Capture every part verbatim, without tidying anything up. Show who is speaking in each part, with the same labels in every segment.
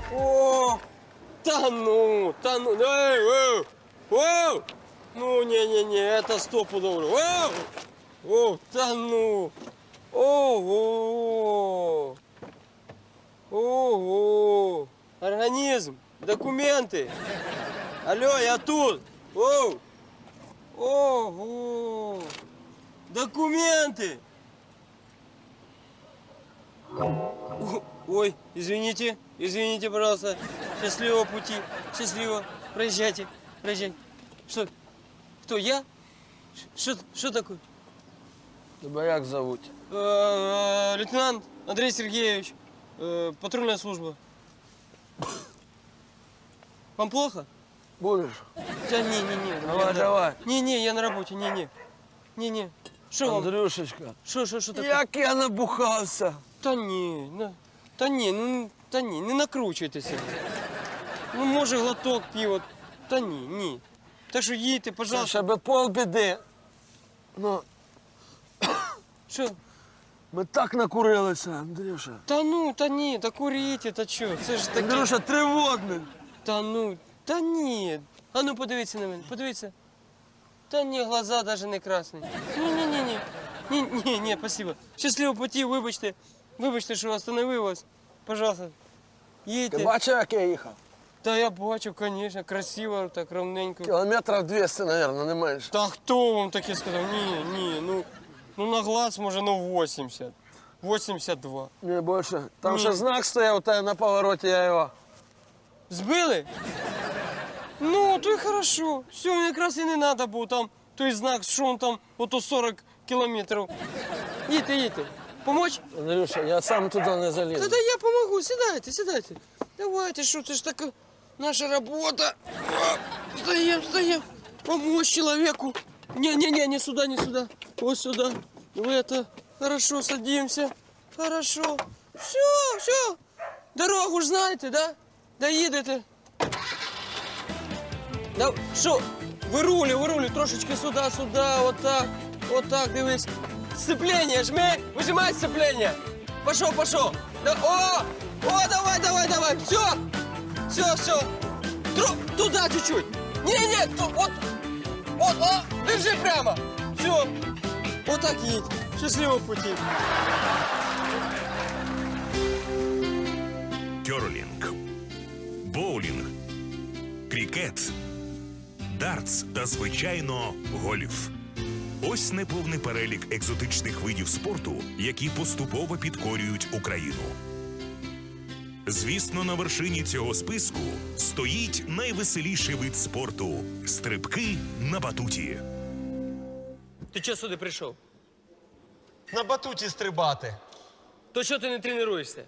Speaker 1: О, та ну, та ну, эй, эй, эй. Ну, не-не-не, это стопудово. Эй, о, та ну. Ого. Ого. Организм, документы. Алло, я тут. Оу. Ого. Документы. Ой, извините, извините, пожалуйста. Счастливого пути, счастливо. Проезжайте, проезжайте. Что? Кто, я? Что, что такое?
Speaker 2: Тебя як зовут?
Speaker 1: Э, лейтенант Андрей Сергеевич, э, патрульная служба. Вам плохо?
Speaker 2: Будешь?
Speaker 1: Да не, не, не.
Speaker 2: Давай,
Speaker 1: я,
Speaker 2: давай.
Speaker 1: Не, не, я на работе, не, не. Не, не. Что вам?
Speaker 2: Андрюшечка,
Speaker 1: Что, что, что такое?
Speaker 2: як я набухався.
Speaker 1: Та ні, на, та ні, ну, та ні, не накручуйтеся. Ну, може, глоток пива. Та ні, ні. Так що їдьте,
Speaker 2: Це
Speaker 1: пожалуйста.
Speaker 2: ще би полбіди. Ну,
Speaker 1: Що?
Speaker 2: ми так накурилися, Андрюша.
Speaker 1: Та ну, та ні, та куріть, та що? Це ж таке.
Speaker 2: Андрюша, тривожний.
Speaker 1: Та ну, та ні. А ну, подивіться на мене, подивіться. Та ні, глаза навіть не красні. Ні-ні-ні. Ні, ні, ні, спасибо. Щасливого путі, вибачте. Вибачте, що остановив вас. Пожалуйста,
Speaker 2: Ти
Speaker 1: їдьте.
Speaker 2: бачив, як я їхав?
Speaker 1: Та я бачу, звісно, красиво, так ровненько.
Speaker 2: Кілометрів двісті, мабуть, не менше.
Speaker 1: Та хто вам таке сказав? Ні, ні, ну, ну на глаз може, ну вісімдесят. вісімдесят два.
Speaker 2: Не більше. Там
Speaker 1: Ні.
Speaker 2: ще знак стояв у тебе на повороті, я його.
Speaker 1: Збили? Ну, то й хорошо. Все, мені якраз і не треба було там той знак, що он там, ото сорок кілометрів. Їдьте, їдьте. Помочь?
Speaker 2: Андрюша, я сам туди не залізу.
Speaker 1: Та-да я помогу, сідайте, сідайте. Давайте, що це ж така наша робота. Встаем, встаем. Помочь человеку. Не-не-не, не сюда, не сюда. Вот сюда. В это. Хорошо, садимся. Хорошо. Все, все. Дорогу ж знаєте, да? Доїдете. Да, що? Вирулі, вирулі, трошечки сюди, сюди, отак. Отак, дивись. Сцепление, жми, выжимай сцепление. Пошел, пошел. Да, о, о, давай, давай, давай. Все, все, все. Тру, туда чуть-чуть. Не-не, ту- вот, вот, о, держи прямо. Все, вот так едь. Счастливого пути.
Speaker 3: Кьорлінг, боулінг, крікет, дартс та, звичайно, гольф. Ось неповний перелік екзотичних видів спорту, які поступово підкорюють Україну. Звісно, на вершині цього списку стоїть найвеселіший вид спорту – стрибки на батуті.
Speaker 1: Ти чого сюди прийшов?
Speaker 4: На батуті стрибати.
Speaker 1: То чого ти не тренуєшся?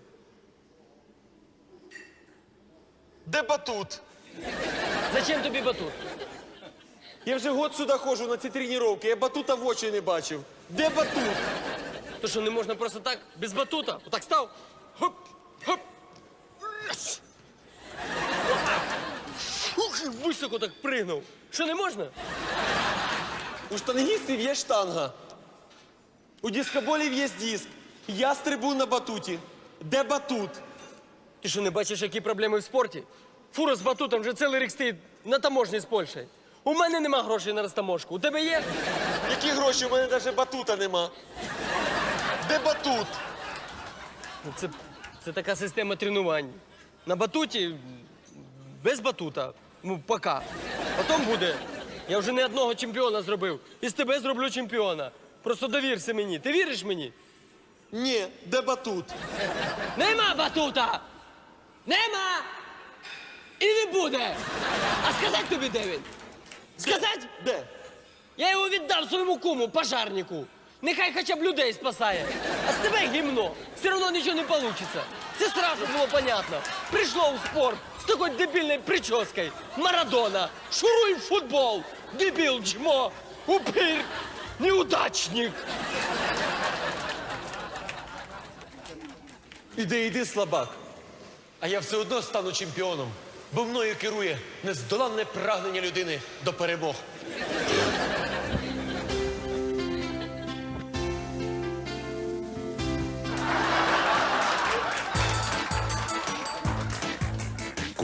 Speaker 4: Де батут?
Speaker 1: Зачем тобі батут?
Speaker 4: Я вже год сюди ходжу на ці тренування, я батута в очі не бачив. Де батут?
Speaker 1: То що, не можна просто так, без батута? Отак став? Хоп, хоп. Єс! Отак. Ух, і високо так пригнув. Що, не можна?
Speaker 4: У штангістів є штанга. У дискоболів є диск. Я стрибу на батуті. Де батут?
Speaker 1: Ти що, не бачиш, які проблеми в спорті? Фура з батутом вже цілий рік стоїть на таможні з Польщею. У мене нема грошей на розтаможку. У тебе є?
Speaker 4: Які гроші? У мене навіть батута нема. Де батут?
Speaker 1: Ну, Це, це така система тренувань. На батуті, без батута. Ну, пока. Потім буде. Я вже не одного чемпіона зробив. І з тебе зроблю чемпіона. Просто довірся мені. Ти віриш мені?
Speaker 4: Ні, де батут?
Speaker 1: Нема батута! Нема! І не буде! А сказати тобі, де він? Сказати?
Speaker 4: Де?
Speaker 1: Я його віддав своєму куму, пожарнику. Нехай хоча б людей спасає. А з тебе гімно. Все одно нічого не вийде. Це сразу було понятно. Прийшло у спорт з такою дебільною прическою. Марадона. Шуруй в футбол. Дебіл, чмо. Упир. Неудачник.
Speaker 4: Іди, іди, слабак. А я все одно стану чемпіоном, бо мною керує нездоланне прагнення людини до перемог.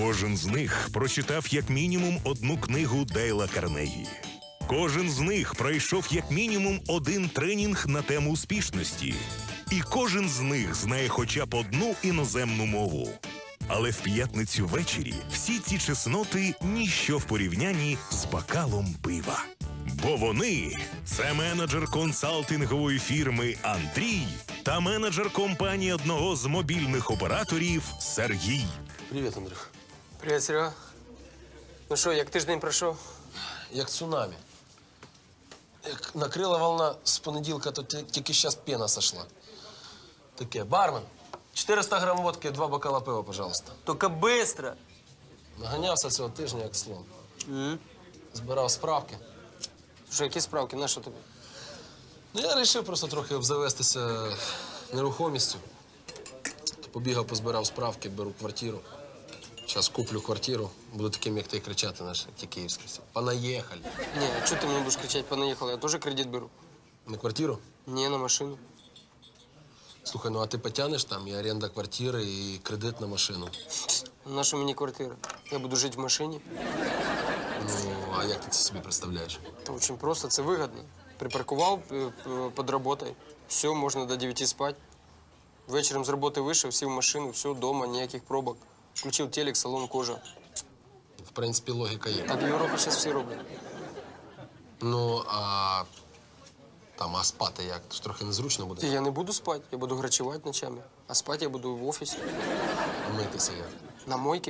Speaker 3: Кожен з них прочитав як мінімум одну книгу Дейла Карнегі. Кожен з них пройшов як мінімум один тренінг на тему успішності. І кожен з них знає хоча б одну іноземну мову. Але в п'ятницю ввечері всі ці чесноти – ніщо в порівнянні з бокалом пива. Бо вони – це менеджер консалтингової фірми Андрій та менеджер компанії одного з мобільних операторів Сергій.
Speaker 2: Привіт, Андрюх.
Speaker 1: Привіт, Серега. Ну що, як тиждень пройшов?
Speaker 2: Як цунамі. Як накрила волна з понеділка, то ті- тільки зараз пена сошла. Таке, бармен, чотириста грам водки, два бокала пива, пожалуйста.
Speaker 1: Тільки швидко.
Speaker 2: Наганявся цього тижня, як слон. Збирав справки.
Speaker 1: Що, які справки? На що тобі?
Speaker 2: Ну, я вирішив просто трохи обзавестися нерухомістю. То побігав, позбирав справки, беру квартиру. Зараз куплю квартиру, буду таким, як ти, кричати, наш, як ті київські всі. Понаїхали.
Speaker 1: Ні, а чого ти мені будеш кричати, понаїхали? Я теж кредит беру.
Speaker 2: На квартиру?
Speaker 1: Ні, на машину.
Speaker 2: Слухай, ну а ти потягнеш там і оренда квартири, і кредит на машину.
Speaker 1: На що мені квартира? Я буду жити в машині.
Speaker 2: Ну, а як ти це собі представляєш?
Speaker 1: Це дуже просто, це вигідно. Припаркував е, е, під роботою, все, можна до дев'яти спати. Вечором з роботи вийшов, сів в машину, все, вдома, ніяких пробок. Включив телек, салон кожа.
Speaker 2: В принципі, логіка є.
Speaker 1: Так в Європі зараз всі роблять.
Speaker 2: Ну, а там, а спати як? Тож трохи незручно
Speaker 1: І
Speaker 2: буде.
Speaker 1: я не буду спати, я буду грачувати ночами. А спати я буду в офісі,
Speaker 2: Митися як.
Speaker 1: на мойці.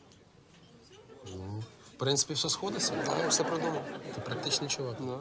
Speaker 2: В принципі, все сходиться.
Speaker 1: Так, я все продумав.
Speaker 2: Ти практичний чувак.
Speaker 1: Да.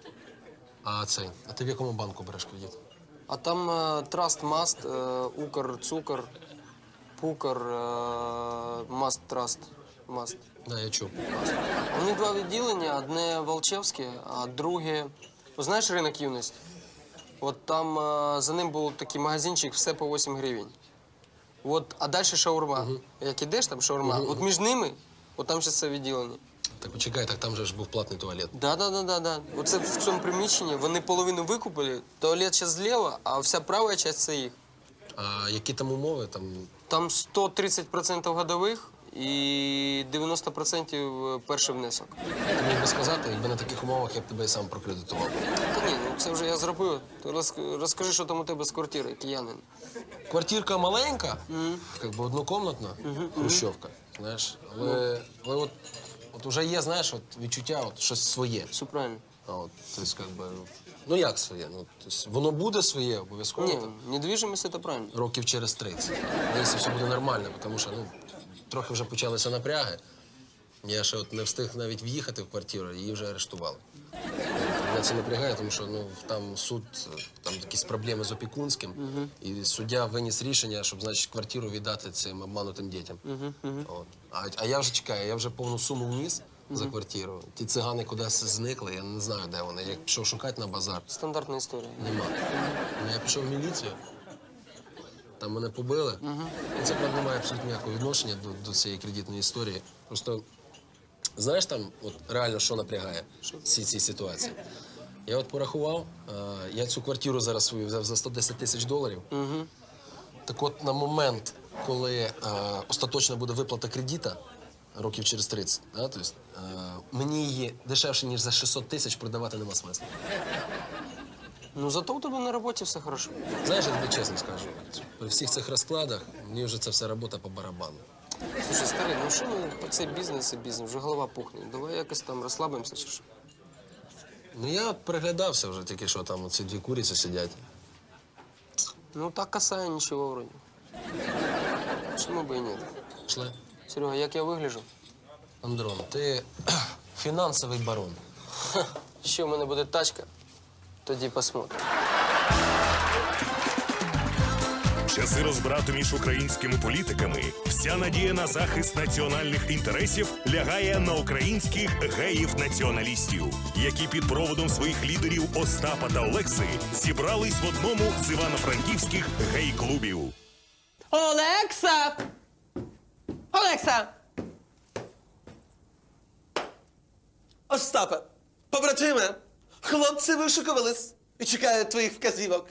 Speaker 2: А цей, а ти в якому банку береш кредит?
Speaker 1: А там е, Траст Маст, е, Укр, Цукор, Пукр, е, Маст Траст, Маст.
Speaker 2: Да, я чув.
Speaker 1: У них два відділення, одне Волчевське, а друге... Ну, знаєш ринок юності? От там е, за ним був такий магазинчик, все по вісім гривень. От, а далі шаурма. Як ідеш, там шаурма. От між ними, от там ще це відділення.
Speaker 2: Так почекай, так там же ж був платний туалет.
Speaker 1: Да, да, да, да, да. Оце в цьому приміщенні вони половину викупили, туалет ще зліва, а вся права частина це їх.
Speaker 2: А які там умови? Там
Speaker 1: Там сто тридцять відсотків годових і дев'яносто відсотків перший внесок.
Speaker 2: ти міг би сказати, якби на таких умовах я б тебе і сам прокредитував.
Speaker 1: Та ні, ну це вже я зробив. Ти роз- розкажи, що там у тебе з квартири, киянин.
Speaker 2: Квартирка маленька, як би однокомнатна, хрущовка, знаєш. Але, але от, от уже є, знаєш, от відчуття, от щось своє.
Speaker 1: Все правильно.
Speaker 2: А от, тобто, як би, ну як своє? Ну, тобто, воно буде своє, обов'язково.
Speaker 1: Ні,
Speaker 2: там,
Speaker 1: недвіжимость – це правильно.
Speaker 2: років через тридцять. Якщо все буде нормально, тому що ну, трохи вже почалися напряги. Я ще от не встиг навіть в'їхати в квартиру, її вже арештували. Мене це напрягає, тому що ну, там суд, там якісь проблеми з опікунським, і суддя виніс рішення, щоб, значить, квартиру віддати цим обманутим дітям. От. А, а я вже чекаю, я вже повну суму вніс за квартиру. Ті цигани кудись зникли, я не знаю, де вони. Я пішов шукати на базар.
Speaker 1: Стандартна історія.
Speaker 2: Нема. Ну, я пішов в міліцію, там мене побили. І це, правда, не має абсолютно ніякого відношення до, до цієї кредитної історії. Просто, знаєш там, от реально, що напрягає всі ці ситуації? Я от порахував, е, я цю квартиру зараз свою взяв за сто десять тисяч доларів. Так от на момент, коли е, остаточно буде виплата кредита, років через тридцять, да, тобто, е, мені її дешевше, ніж за шістсот тисяч продавати нема смисла.
Speaker 1: Ну зато у тебе на роботі все хорошо.
Speaker 2: Знаєш, я тобі чесно скажу, при всіх цих розкладах мені вже ця вся робота по барабану.
Speaker 1: Слушай, старий, ну що ми це бізнес і бізнес, вже голова пухне. Давай якось там розслабимося чи що?
Speaker 2: Ну я от переглядався вже тільки що там ці дві куриці сидять.
Speaker 1: Ну так касає нічого вроді. Чому би і ні?
Speaker 2: Пішли?
Speaker 1: Серега, як я вигляджу?
Speaker 2: Андрон, ти фінансовий барон.
Speaker 1: Ще в мене буде тачка, тоді посмотрим.
Speaker 3: Часи розбрату між українськими політиками, вся надія на захист національних інтересів лягає на українських геїв-націоналістів, які під проводом своїх лідерів Остапа та Олекси зібрались в одному з івано-франківських гей-клубів.
Speaker 1: Олекса! Олекса!
Speaker 4: Остапе, побратиме, хлопці вишукувались і чекають твоїх вказівок.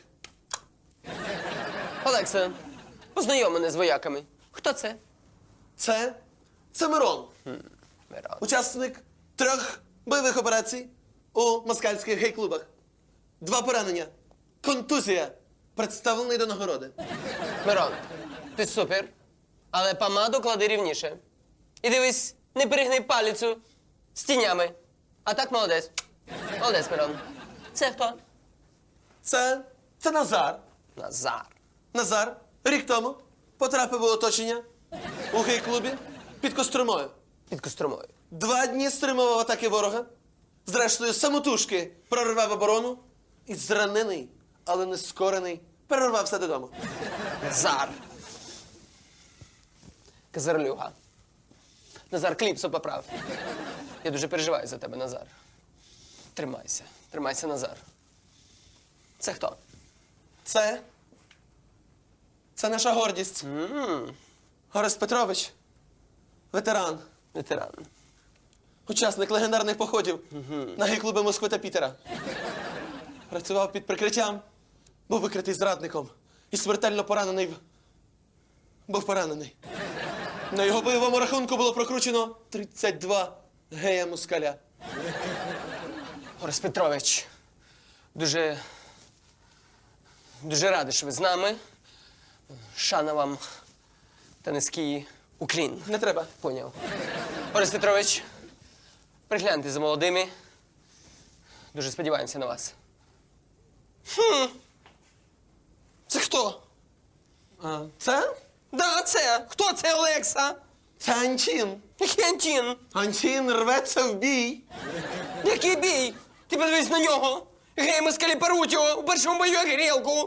Speaker 1: Олекса, познайом мене з вояками. Хто це?
Speaker 4: Це Це Мирон.
Speaker 1: Мирон.
Speaker 4: Учасник трьох бойових операцій у москальських гей-клубах. Два поранення. Контузія. Представлений до нагороди.
Speaker 1: Мирон, ти супер, але помаду клади рівніше. І дивись, не перегни палицю з тінями. А так молодець. Молодець, Мирон. Це хто?
Speaker 4: Це, це Назар.
Speaker 1: Назар.
Speaker 4: Назар рік тому потрапив у оточення у гей-клубі під Костромою.
Speaker 1: Під Костромою.
Speaker 4: Два дні стримував атаки ворога. Зрештою, самотужки прорвав оборону і зранений, але не скорений, перервався додому.
Speaker 1: Назар. Казарлюга. Назар, кліпсу поправ. Я дуже переживаю за тебе, Назар. Тримайся. Тримайся, Назар. Це хто?
Speaker 4: Це. Це наша гордість. Горис Петрович. Ветеран.
Speaker 1: Ветеран.
Speaker 4: Учасник легендарних походів на гей-клуби Москви та Пітера. Працював під прикриттям, був викритий зрадником і смертельно поранений. в- Був поранений. На його бойовому рахунку було прокручено тридцять два гея-москаля.
Speaker 1: Орес Петрович, дуже, дуже радий, що ви з нами. Шана вам та низький уклін.
Speaker 4: Не треба.
Speaker 1: Поняв. Орес Петрович, пригляньте за молодими. Дуже сподіваємося на вас. Хм. Це хто?
Speaker 4: А, це?
Speaker 1: Да, це. Хто це, Олекса?
Speaker 4: Це Антін.
Speaker 1: Який Антін?
Speaker 4: Антін рветься в бій.
Speaker 1: Який бій? Ти подивись на нього. Гей, москалі перуть його у першому бою як грілку.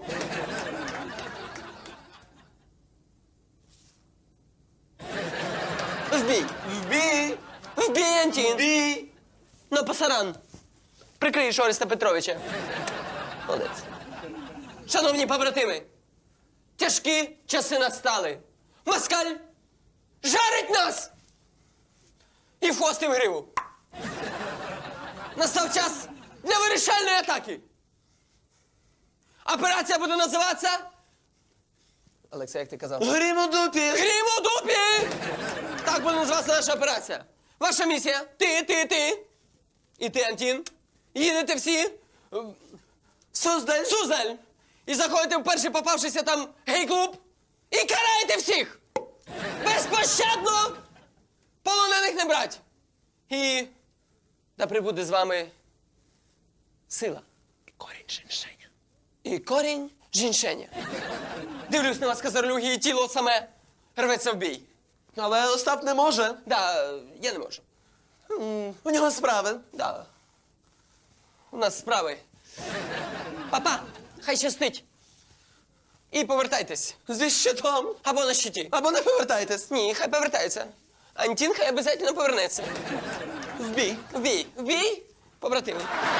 Speaker 1: В бій.
Speaker 4: В бій!
Speaker 1: В бій, Антін.
Speaker 4: В бій!
Speaker 1: На пасаран. Прикриєш Ореста Петровича. Молодець. Шановні побратими, тяжкі часи настали. Москаль жарить нас! І в хвост і в гриву. Настав час для вирішальної атаки. Операція буде називатися... Олекса, як ти казав?
Speaker 4: Грім у дупі!
Speaker 1: Грім у дупі! Так буде називатися наша операція. Ваша місія – ти, ти, ти. І ти, Антін. Їдете всі в
Speaker 4: Суздаль!
Speaker 1: Суздаль. І заходите в перший попавшийся там гей-клуб. І караєте всіх. Безпощадно полонених не брать. І да прибуде з вами сила. І корінь жіншеня. І корінь жіншеня. Дивлюсь на вас, казарлюги, і тіло саме рветься в бій.
Speaker 4: Але Остап не може.
Speaker 1: Да, я не можу.
Speaker 4: М, У нього справи.
Speaker 1: Да. У нас справи. Папа, хай щастить. І повертайтесь.
Speaker 4: Зі щитом.
Speaker 1: Або на щиті.
Speaker 4: Або не повертайтесь.
Speaker 1: Ні, хай повертається. Антін хай обов'язково повернеться.
Speaker 4: В бій.
Speaker 1: В бій. В бій, побратими.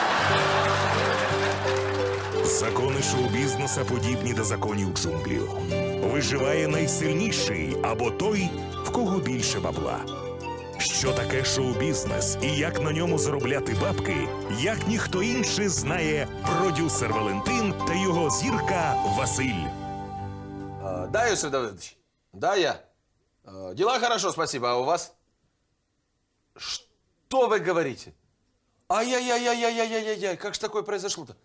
Speaker 3: Закони шоу-бізнеса подібні до законів джунглів. Виживає найсильніший або той, в кого більше бабла. Що таке шоу-бізнес і як на ньому заробляти бабки, як ніхто інший знає продюсер Валентин та його зірка Василь.
Speaker 2: А, да, Иосиф Давыдович? Да, я. А, дела хорошо, спасибо. А у вас? Что вы говорите? Ай-яй-яй-яй-яй-яй-яй, как же такое произошло-то?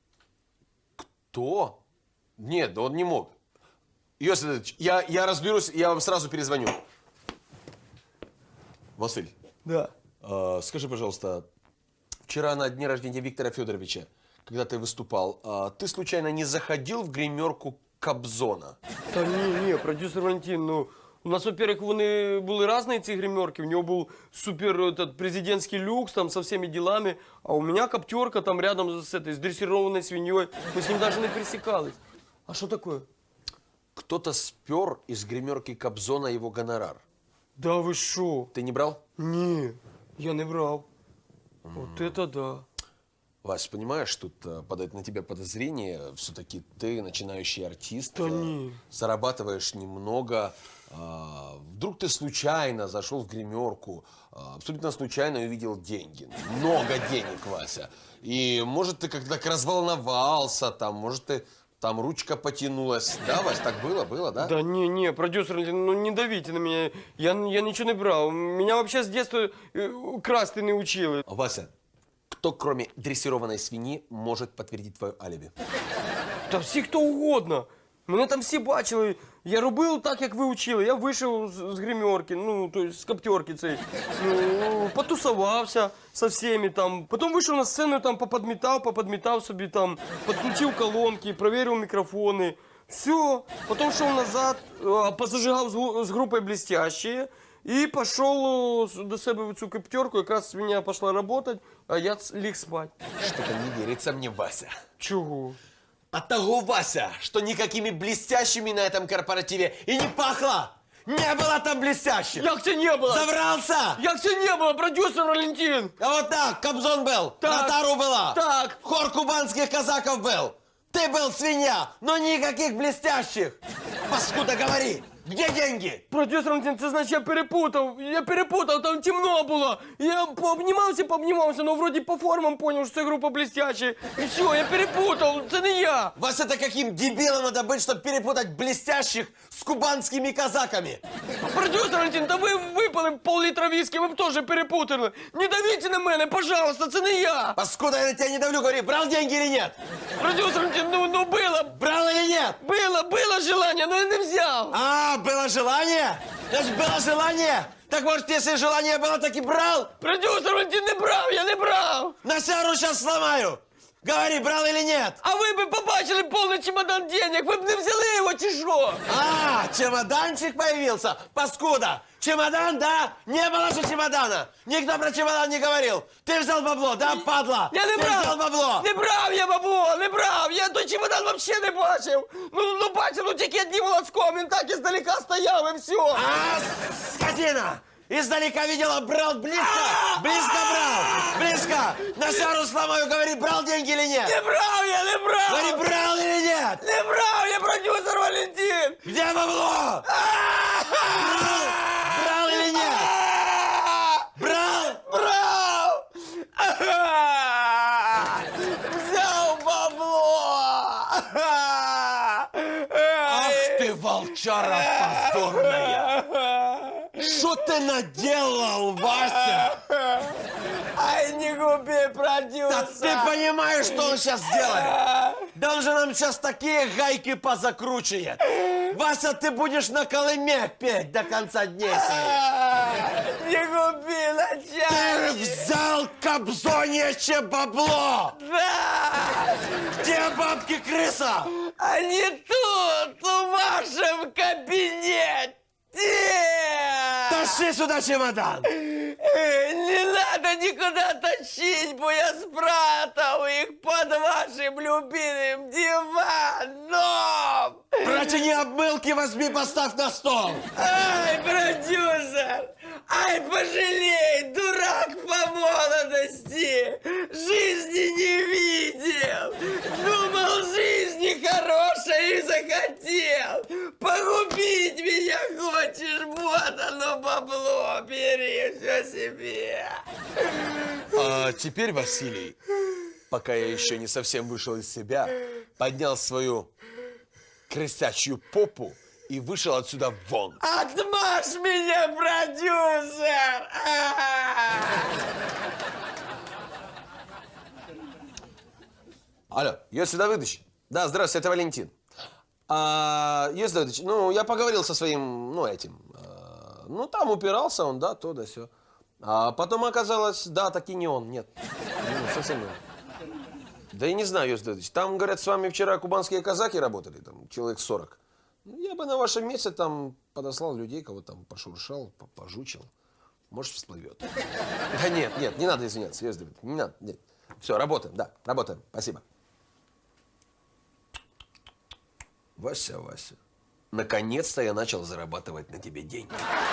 Speaker 2: Кто? Нет, да он не мог. Иосиф Давыдович, я, я разберусь, я вам сразу перезвоню. Василь.
Speaker 4: Да.
Speaker 2: А, скажи, пожалуйста, вчера на дне рождения Виктора Федоровича, когда ты выступал, а, ты случайно не заходил в гримерку Кобзона?
Speaker 1: Та ні, ні, продюсер Валентин, ну, у нас, во-первых, вони були різні, ці гримерки. У нього був супер этот, президентський люкс, там, со всеми делами, а у меня коптерка там рядом с этой, с дрессированной свиньей. Мы с ним даже не пересекались. А что такое?
Speaker 2: Кто-то спер из гримерки Кобзона его гонорар.
Speaker 1: Да вы шо?
Speaker 2: Ты не брал?
Speaker 1: Ні, я не брав. Вот это да.
Speaker 2: Вась, понимаешь, тут э, падает на тебя подозрение. Все-таки ты начинающий артист.
Speaker 1: Да
Speaker 2: э,
Speaker 1: не.
Speaker 2: Зарабатываешь немного. а, вдруг ты случайно зашел в гримерку, а, абсолютно случайно увидел деньги. Много денег, Вася. И может ты как-то так разволновался, там, может ты
Speaker 4: там ручка потянулась. Да, Вась, так было, было, да?
Speaker 1: Да не, не, продюсер, ну не давите на меня. Я, я ничего не брал. Меня вообще с детства э, красти не учили.
Speaker 4: Вася, кто, кроме дрессированной свиньи, может подтвердить твое алиби?
Speaker 1: Та всі хто угодно. Мене там всі бачили. Я робив так, як ви учили. Я вийшов з, з гримерки, ну, то есть з коптерки цієї. Ну, потусувався со всеми там. Потім вийшов на сцену, там поподмітав, поподмітав собі там, підключив колонки, перевірив мікрофони. Все. Потім йшов назад, а, позажигав з, гу- з групою «Блестящие» і пішов до себе в цю коптерку. Якраз свиня пішла працювати, а я ц- ліг спати.
Speaker 4: Что-то не верится мне, Вася.
Speaker 1: Чого?
Speaker 4: А того, Вася, что никакими блестящими на этом корпоративе и не пахло. Не было там блестящих.
Speaker 1: Як це не було?
Speaker 4: Забрался!
Speaker 1: Як це не було, продюсер Валентин?
Speaker 4: А вот так, Кобзон был,
Speaker 1: Так.
Speaker 4: Натару была,
Speaker 1: Так.
Speaker 4: хор кубанских казаков был. Ты был свинья, но никаких блестящих. Паскуда, говори, где деньги?
Speaker 1: Продюсер Валентин, це значить я перепутав. Я перепутав, там темно було. Я пообнімався, пообнімався, но вроді по формам поняв, що це група блестящі. І все, я перепутав, це не я.
Speaker 4: Вася, это каким дебилом надо быть, чтобы перепутать блестящих с кубанскими казаками?
Speaker 1: Продюсер Валентин, та ви випили пол-літра віскі, ви б теж перепутали. Не давіть на мене, пожалуйста, це не я.
Speaker 4: Паскуда, я на тебя не давлю, говори, брал деньги или нет?
Speaker 1: Продюсер Валентин, ну, ну було,
Speaker 4: Брал или нет?
Speaker 1: було, було желання, но я не взяв.
Speaker 4: А, было желание? Значит, было желание? Так может, если желание было, так и брал?
Speaker 1: Продюсер Валентин, не брав, я не брав.
Speaker 4: На сяру сейчас сломаю. Говори, брал или нет?
Speaker 1: А ви б побачили повний чемодан денег, ви б не взяли його чи що?
Speaker 4: А, чемоданчик появился? Паскуда. Чемодан, да? Не было же чемодана. Никто про чемодан не говорил. Ты взял бабло, да, падла?
Speaker 1: Я не
Speaker 4: Ты
Speaker 1: брав!
Speaker 4: взял бабло.
Speaker 1: Не брав я бабло, не брав! Я той чемодан вообще не бачив! Ну, ну бачив, ну тільки одним волоском, він так іздалека стояв і все!
Speaker 4: А, скотина! Издалека видела, брал близко, близко брал, близко. На сяру сломаю, говори, брал деньги или нет?
Speaker 1: Не брав я, не брав!
Speaker 4: Говори, брал или нет?
Speaker 1: Не брав я, продюсер Валентин!
Speaker 4: Где бабло? Брал, брал или нет? Брал?
Speaker 1: Брав! Взяв бабло!
Speaker 4: Ах ты, волчара позорная! Что ты наделал, Вася?
Speaker 1: Ай, не губи, продюсер!
Speaker 4: Да ты понимаешь, что он сейчас делает? Да он же нам сейчас такие гайки позакручивает. Вася, ты будешь на Колыме петь до конца дней своих.
Speaker 1: Не губи,
Speaker 4: Ты
Speaker 1: начальник!
Speaker 4: взял кобзоньяче бабло!
Speaker 1: Да!
Speaker 4: Где бабки крыса?
Speaker 1: Они тут, в вашем кабинете!
Speaker 4: Тащи сюда чемодан!
Speaker 1: Э, Не надо никуда тащить, бо я спрятал их под вашим любимым диваном!
Speaker 4: Протяни обмылки, возьми, поставь на стол!
Speaker 1: Ай, продюсер! Ай, пожалей, дурак по молодости! Жизни не видел! Думал, жизни хорошей и захотел! Погубить меня хочешь? Вот оно бабло, бери все себе!
Speaker 4: А теперь Василий, пока я еще не совсем вышел из себя, поднял свою крысячью попу и вышел отсюда вон.
Speaker 1: Отмажь меня, продюсер! А!
Speaker 4: Алло, Йосиф Давыдович? Да, здравствуйте, это Валентин. А, Йосиф Давыдович, ну, я поговорил со своим, ну, этим, а, ну, там упирался он, да, то да сё. А потом оказалось, да, таки не он, нет. Ну, совсем не он. Да и не знаю, Йосиф Давыдович, там, говорят, с вами вчера кубанские казаки работали, там, человек сорок. Ну, я бы на вашем месте там подослал людей, кого там пошуршал, пожучил. Может, всплывет. Да нет, нет, не надо извиняться, Йосиф Давыдович, не надо, нет. Все, работаем, да, работаем, спасибо. Вася, Вася, наконец-то я начал зарабатывать на тебе деньги.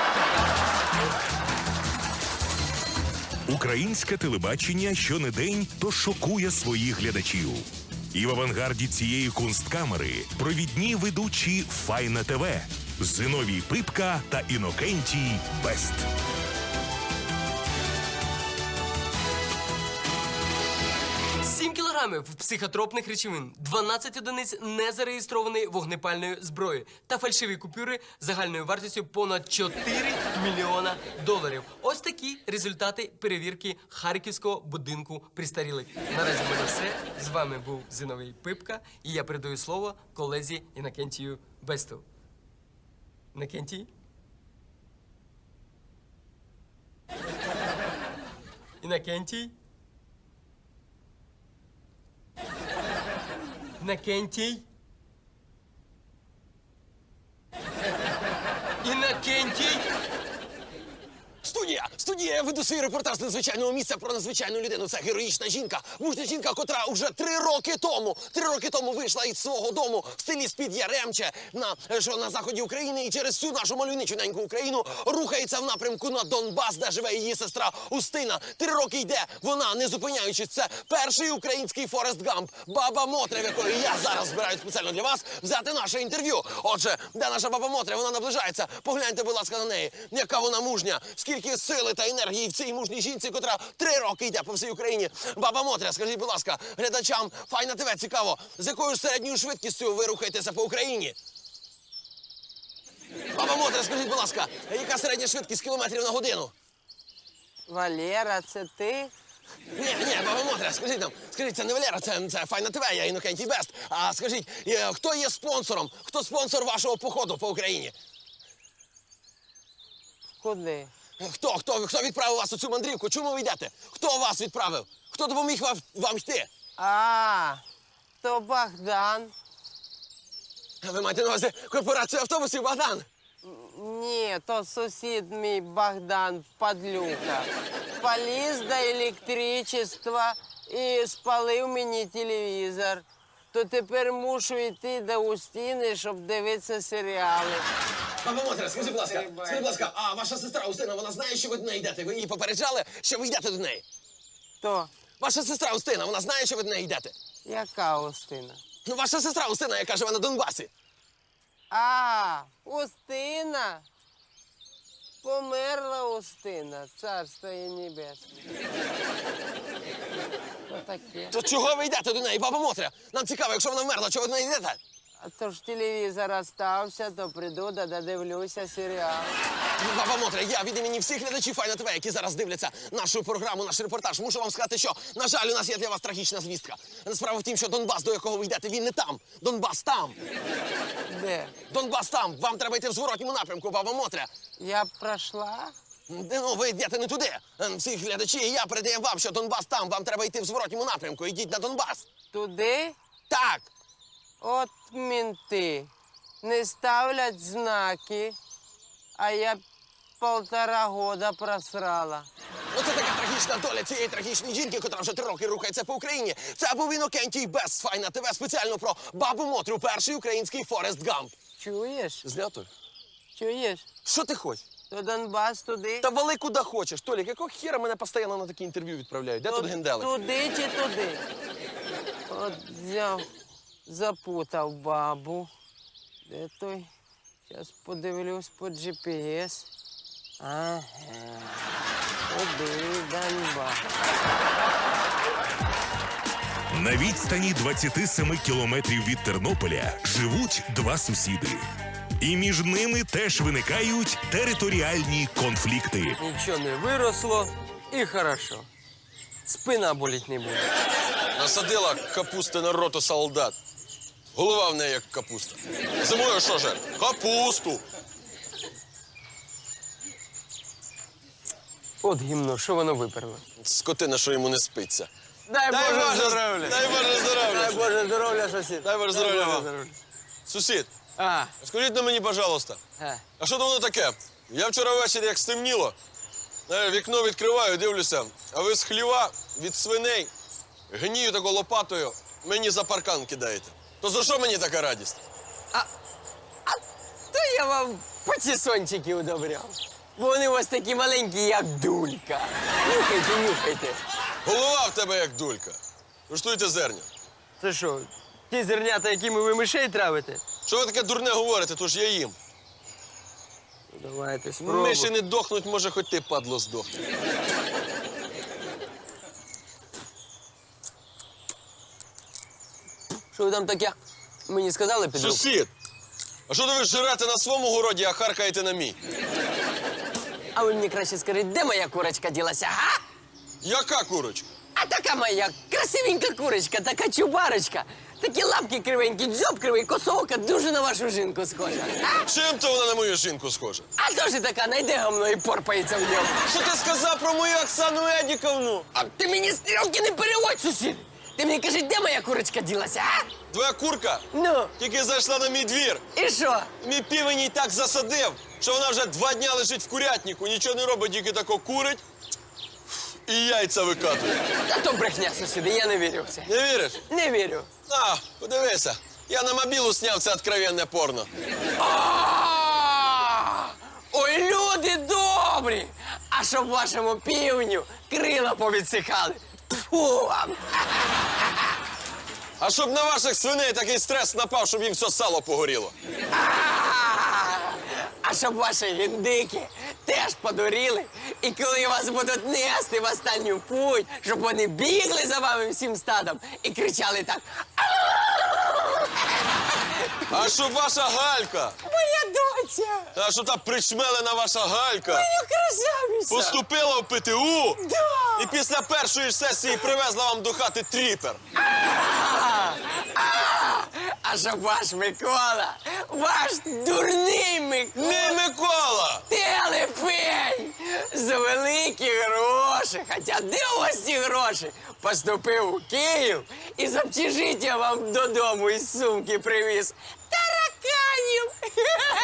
Speaker 3: Українське телебачення щонедень то шокує своїх глядачів. І в авангарді цієї кунсткамери провідні ведучі Файна ТВ Зиновій Пипка та Інокентій Бест.
Speaker 5: Сім кілограмів.
Speaker 1: грамів психотропних речовин, дванадцять одиниць незареєстрованої вогнепальної зброї та фальшиві купюри загальною вартістю понад чотири мільйона доларів. Ось такі результати перевірки Харківського будинку престарілих. Наразі в мене все. З вами був Зиновій Пипка, і я передаю слово колезі Іннокентію Бесту. Іннокентій? Іннокентій? Іннокентій? Іннокентій?
Speaker 4: Студія! Студія! Я веду свій репортаж з надзвичайного місця про надзвичайну людину. Це героїчна жінка. Мужня жінка, котра уже три роки тому, три роки тому вийшла із свого дому в селі з-під Яремче на, що на заході України і через всю нашу мальовничу неньку Україну рухається в напрямку на Донбас, де живе її сестра Устина. Три роки йде вона, не зупиняючись. Це перший український Форест Гамп. Баба Мотря, в якої я зараз збираю спеціально для вас взяти наше інтерв'ю. Отже, де наша баба Мотря? Вона наближається. Погляньте, будь ласка, на неї. Яка вона мужня. Скільки сили та енергії в цій мужній жінці, котра три роки йде по всій Україні. Баба Мотря, скажіть, будь ласка, глядачам Файна ТВ цікаво, з якою середньою швидкістю ви рухаєтеся по Україні? Баба Мотря, скажіть, будь ласка, яка середня швидкість кілометрів на годину?
Speaker 5: Валера, це ти?
Speaker 4: Ні, ні, баба Мотря, скажіть нам, скажіть, це не Валера, це, це Файна ТВ, я Іннокентій Бест. А скажіть, е, хто є спонсором? Хто спонсор вашого походу по Україні?
Speaker 5: Куди?
Speaker 4: Хто, хто, хто відправив вас у цю мандрівку? Чому ви йдете? Хто вас відправив? Хто допоміг вам, вам йти?
Speaker 5: А, то Богдан.
Speaker 4: Ви маєте на увазі корпорацію автобусів Богдан?
Speaker 5: Ні, то сусід мій Богдан Падлюка. Поліз до електричества і спалив мені телевізор. То тепер мушу йти до Устіни, щоб дивитися серіали.
Speaker 4: Баба Мотря, скажіть, будь ласка, скажіть, будь ласка, а ваша сестра Устина, вона знає, що ви до неї йдете? Ви її попереджали, що ви йдете до неї?
Speaker 5: То,
Speaker 4: Ваша сестра Устина, вона знає, що ви до неї йдете?
Speaker 5: яка Устина?
Speaker 4: Ну, ваша сестра Устина, яка живе на Донбасі.
Speaker 5: А, Устина. Померла Устина, царство їй небесне. Що таке?
Speaker 4: То чого ви йдете до неї, баба Мотря? Нам цікаво, якщо вона вмерла, чого ви до неї йдете?
Speaker 5: А то ж телевізор остався, то прийду, да додивлюся серіал.
Speaker 4: Баба Мотря, я від імені всіх глядачів Файна ТВ, які зараз дивляться нашу програму, наш репортаж, мушу вам сказати, що, на жаль, у нас є для вас трагічна звістка. Справа в тім, що Донбас, до якого ви йдете, він не там. Донбас там.
Speaker 5: Де?
Speaker 4: Донбас там. Вам треба йти в зворотньому напрямку, баба Мотря.
Speaker 5: Я б пройшла?
Speaker 4: Де, Ну, ви йдете не туди. Ем, Всі глядачі, і я передаємо вам, що Донбас там. Вам треба йти в зворотньому напрямку. Йдіть на Донбас.
Speaker 5: Туди?
Speaker 4: Так.
Speaker 5: От мінти. Не ставлять знаки, а я полтора года просрала.
Speaker 4: Оце така трагічна доля цієї трагічної жінки, котра вже три роки рухається по Україні. Це був Іннокентій Бест, Файна ТВ, спеціально про бабу Мотрю, перший український Форест Гамп.
Speaker 5: Чуєш?
Speaker 4: Знято?
Speaker 5: Чуєш?
Speaker 4: Що ти хочеш?
Speaker 5: То Донбас туди?
Speaker 4: Та вали куди хочеш. Толік, якого хіра мене постійно на такі інтерв'ю відправляють? Де
Speaker 5: То-
Speaker 4: тут генделик?
Speaker 5: Туди чи туди? От взяв, запутав бабу. Де той? Зараз подивлюсь по джі пі ес. Ага. Туди, Донбас.
Speaker 3: На відстані двадцяти семи кілометрів від Тернополя живуть два сусіди. І між ними теж виникають територіальні конфлікти.
Speaker 1: Нічого не виросло і хорошо. Спина боліть не буде.
Speaker 6: Насадила капусти на роту солдат. Голова в неї як капуста. Зимою що же? Капусту.
Speaker 1: От гімно, що воно виперло?
Speaker 6: Скотина, що йому не спиться.
Speaker 1: Дай,
Speaker 6: Дай
Speaker 1: Боже
Speaker 6: Боже
Speaker 1: здоров'я!
Speaker 6: Дай Боже здоров'я.
Speaker 1: Дай Боже здоров'я, сусід!
Speaker 6: Дай Боже здоров'я вам.
Speaker 1: здоров'я.
Speaker 6: Сусід,
Speaker 1: А,
Speaker 6: скажіть на мені, пожалуйста,
Speaker 1: а.
Speaker 6: а що то воно таке? Я вчора ввечері, як стемніло, е, вікно відкриваю, дивлюся, а ви з хліва від свиней гнію тако лопатою мені за паркан кидаєте. То за що мені така радість?
Speaker 1: То я вам патісончики удобряв. Бо вони у вас такі маленькі, як дулька. Нюхайте, нюхайте.
Speaker 6: Голова в тебе як дулька. Куштуйте зерня.
Speaker 1: Це що, ті зернята, якими ви мишей травите?
Speaker 6: Що ви таке дурне говорите, то ж я їм.
Speaker 1: Давайте, спробуй.
Speaker 6: Миші не дохнуть, може, хоч ти, падло, здохне.
Speaker 1: Що ви там таке мені сказали під руку?
Speaker 6: Сусід! А що то ви жирете на своєму городі, а харкаєте на мій?
Speaker 1: А ви мені краще скажіть, де моя курочка ділася, га?
Speaker 6: Яка курочка?
Speaker 1: А така моя красивенька курочка, така чубарочка. Такі лапки кривенькі, дзьоб кривий, косовка, дуже на вашу жінку схожа. А,
Speaker 6: Чим то вона на мою жінку схожа?
Speaker 1: а теж така, найде гамно і порпається в ньому.
Speaker 6: Що ти сказав про мою Оксану Едіковну?
Speaker 1: А ти мені стрілки не переводь, сусід. Ти мені кажи, де моя курочка ділася, а?
Speaker 6: Твоя курка
Speaker 1: Ну,
Speaker 6: тільки зайшла на мій двір.
Speaker 1: і що?
Speaker 6: Мій півень їй так засадив, що вона вже два дня лежить в курятнику, нічого не робить, тільки тако курить і яйця викатує.
Speaker 1: Та то брехня, сусіди, я не вірю в це.
Speaker 6: Не віриш?
Speaker 1: Не вірю.
Speaker 6: На, подивися. Я на мобілу сняв це откровенне порно.
Speaker 1: А! Ой, люди добрі! А щоб вашому півню крила повідсихали. Фу вам!
Speaker 6: А щоб на ваших свиней такий стрес напав, щоб їм все сало погоріло.
Speaker 1: А! А щоб ваші гіндики теж подуріли, і коли вас будуть нести в останню путь, щоб вони бігли за вами всім стадом і кричали так:
Speaker 6: А щоб ваша Галька,
Speaker 1: «Моя доця!
Speaker 6: а щоб та причмелена ваша Галька
Speaker 1: Моя красавиця!»
Speaker 6: поступила в ПТУ
Speaker 1: Да!
Speaker 6: і після першої ж сесії привезла вам до хати тріпер.
Speaker 1: А, а, а щоб ваш Микола, ваш дурний Микола,
Speaker 6: Не Микола!
Speaker 1: телепень, за великі гроші, хоча де у вас ці гроші, поступив у Київ і з общежиття вам додому із сумки привіз тараканів.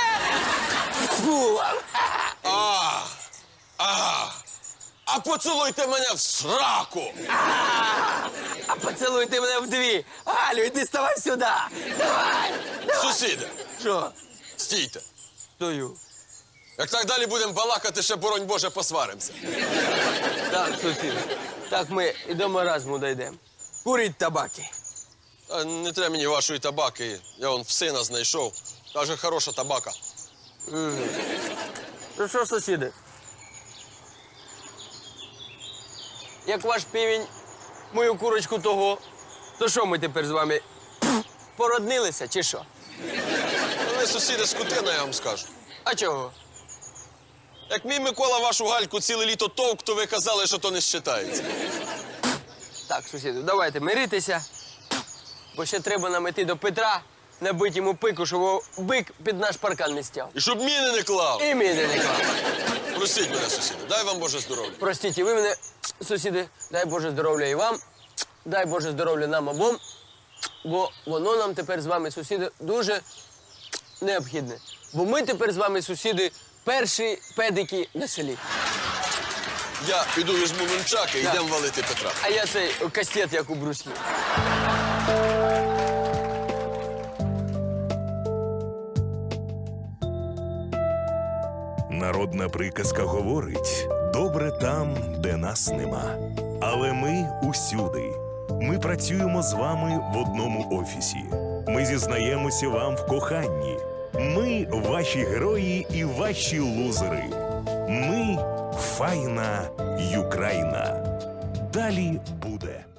Speaker 1: Фу вам.
Speaker 6: А, а, а поцілуйте мене в сраку!
Speaker 1: А, а поцілуйте мене вдві. Галю, іди ставай сюди. Давай.
Speaker 6: Сусіди,
Speaker 1: Що?
Speaker 6: стійте.
Speaker 1: Стою.
Speaker 6: Як так далі будемо балакати, ще, боронь Боже, посваримося.
Speaker 1: Так, сусід. Так ми і до маразму дійдемо. Куріть табаки.
Speaker 6: Та не треба мені вашої табаки. Я вон в сина знайшов. Каже, хороша табака.
Speaker 1: Ну що, сусіди? Як ваш півень мою курочку того, то що ми тепер з вами породнилися чи що?
Speaker 6: Ви сусіди скотина, я вам скажу.
Speaker 1: А чого?
Speaker 6: Як мій Микола вашу Гальку ціле літо товк, то ви казали, що то не считається.
Speaker 1: Так, сусіди, давайте миритися, бо ще треба нам іти до Петра, набити йому пику, щоб його бик під наш паркан не стяв.
Speaker 6: І щоб міни не клав.
Speaker 1: І мій не клав.
Speaker 6: Простіть мене, сусіди. Дай вам Боже здоров'я.
Speaker 1: Простіть, і ви мене, сусіди, дай Боже здоров'я і вам, дай Боже здоров'я нам обом, бо воно нам тепер з вами, сусіди, дуже необхідне. Бо ми тепер з вами, сусіди, перші педики на селі.
Speaker 6: Я піду візьму нунчаки і
Speaker 1: Так.
Speaker 6: йдемо валити Петра.
Speaker 1: А я цей кастет, як у Брюслі.
Speaker 3: Народна приказка говорить: добре там, де нас нема. Але ми усюди. Ми працюємо з вами в одному офісі. Ми зізнаємося вам в коханні. Ми ваші герої і ваші лузери. Ми файна Юкраїна. Далі буде.